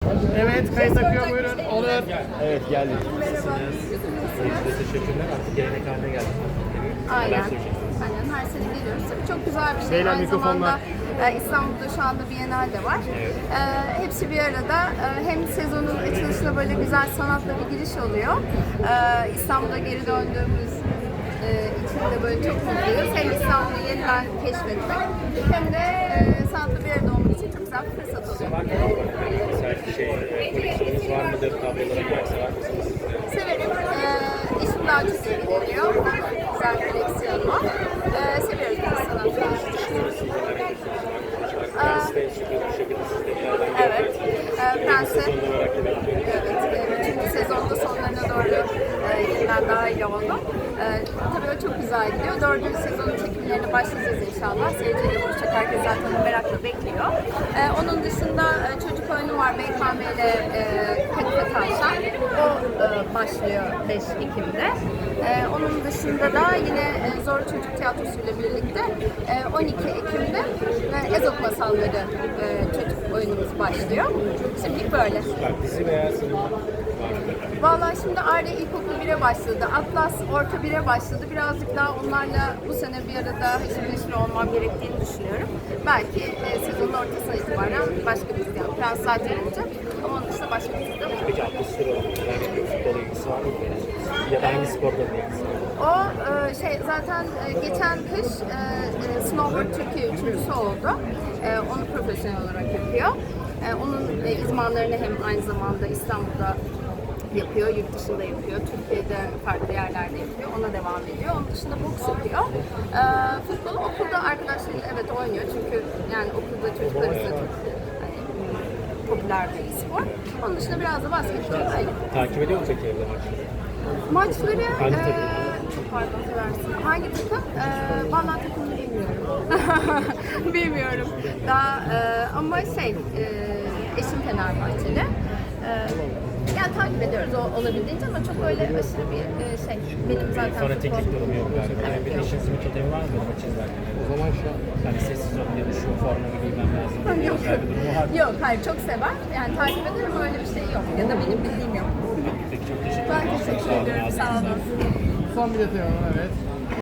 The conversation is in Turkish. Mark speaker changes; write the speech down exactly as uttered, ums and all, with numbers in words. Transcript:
Speaker 1: Evet, kayıt akıyor, buyurun. Olur.
Speaker 2: Evet, geldik.
Speaker 3: Merhaba.
Speaker 2: Size teşekkürler. Artık gelenek haline geldi.
Speaker 3: Aynen. Aynen her sene geliyoruz. Tabii çok güzel bir şey.
Speaker 1: Beyler,
Speaker 3: Aynı
Speaker 1: mikrofonlar.
Speaker 3: zamanda e, İstanbul'da şu anda Biennale de var.
Speaker 2: Evet.
Speaker 3: E, hepsi bir arada. E, hem sezonun açılışına böyle güzel sanatla bir giriş oluyor. E, İstanbul'a geri döndüğümüz e, için de böyle çok mutluyuz. Hem İstanbul'u yeniden keşfetmek hem de e, sanatla bir arada olmak için çok güzel bir fırsat oluyor.
Speaker 2: Mesela şey, koleksiyonunuz var mıdır? Tablolara kadar sever misiniz?
Speaker 3: Severim. Ee, işim daha çok ilgileniyor. Güzel bir koleksiyon var. Ee, seviyoruz biz sanatı.
Speaker 2: Prens de sürpriz bir şekilde siz de bir yerden
Speaker 3: Evet. Ee, Prens'i
Speaker 2: sezonda merak ediyorum.
Speaker 3: evet, e, üçüncü sezonda sonlarına doğru e, yeniden dahil oldum. E, tabii o çok güzel gidiyor. Dördüncü sezonun çekimlerine başlayacağız inşallah. Seyirciyle buluşacak. Herkes zaten merakla bekliyor. E, onun dışında e, çocuk oyunu var. B K M ile e, Kadife Tavşan. O e, başlıyor beş Ekim'de. E, onun dışında da yine e, Zor Çocuk Tiyatrosu ile birlikte e, on iki Ekim'de e, Ezop Masalları e, çocuk oyunumuz başlıyor. Şimdilik böyle.
Speaker 2: Bak, dizi veya sinema var mı?
Speaker 3: Vallahi şimdi Arya İlkokul bire başladı. Atlas Orta bire başladı. Birazcık daha onlarla bu sene bir arada haşır neşir olmam gerektiğini düşünüyorum. Belki e, sezonun ortasına itibaren başka bir dizi, yani Prens zaten olacak. Ama onun dışında başka bir dizi de olur.
Speaker 2: Peki atlı süre olan herhangi bir futbol ilgisi var mı? Ya da hangi sporda bir ilgisi var?
Speaker 3: O e, şey zaten e, geçen kış e, e, Snowboard Türkiye üçüncüsü oldu. E, onu profesyonel olarak yapıyor. E, onun e, izmanlarını hem aynı zamanda İstanbul'da yapıyor, yurt dışında yapıyor, Türkiye'de farklı yerlerde yapıyor, ona devam ediyor. Onun dışında boks yapıyor. E, futbolu okulda arkadaşlarıyla evet oynuyor çünkü yani okulda çocuklar arasında çok hani, popüler bir spor. Onun dışında biraz da basketbol öyle.
Speaker 2: Takip ediyor mu peki evde maçları?
Speaker 3: Maçları
Speaker 2: Hangi
Speaker 3: eee,
Speaker 2: takım?
Speaker 3: çok pardon seversin. Hangi takım? Eee vallahi takımını bilmiyorum. Bilmiyorum. Daha eee, ama şey eee eşim Fenerbahçeli. Eee yani takip ediyoruz o, olabildiğince ama çok öyle aşırı bir eee, şey. Benim zaten
Speaker 2: Fanatiklik
Speaker 3: futbol-
Speaker 2: durumu yok galiba. Yani bir de
Speaker 3: yok.
Speaker 2: işinizin bir totemi var mı bu maç izlerken? O zaman şu an hani sessiz olun ya da şu forma giymem lazım.
Speaker 3: Yok.
Speaker 2: Özel bir durumu var mı?
Speaker 3: Yok, hayır çok sever. Yani takip eder ama öyle bir şey yok. Ya da benim bildiğim yok.
Speaker 2: Peki, çok teşekkür
Speaker 3: Ben
Speaker 2: ederim.
Speaker 3: teşekkür
Speaker 2: Sağ olun,
Speaker 3: ederim.
Speaker 2: ağzınıza
Speaker 3: Sağ olun.
Speaker 2: sağlık.
Speaker 1: Son bir detay alalım, evet.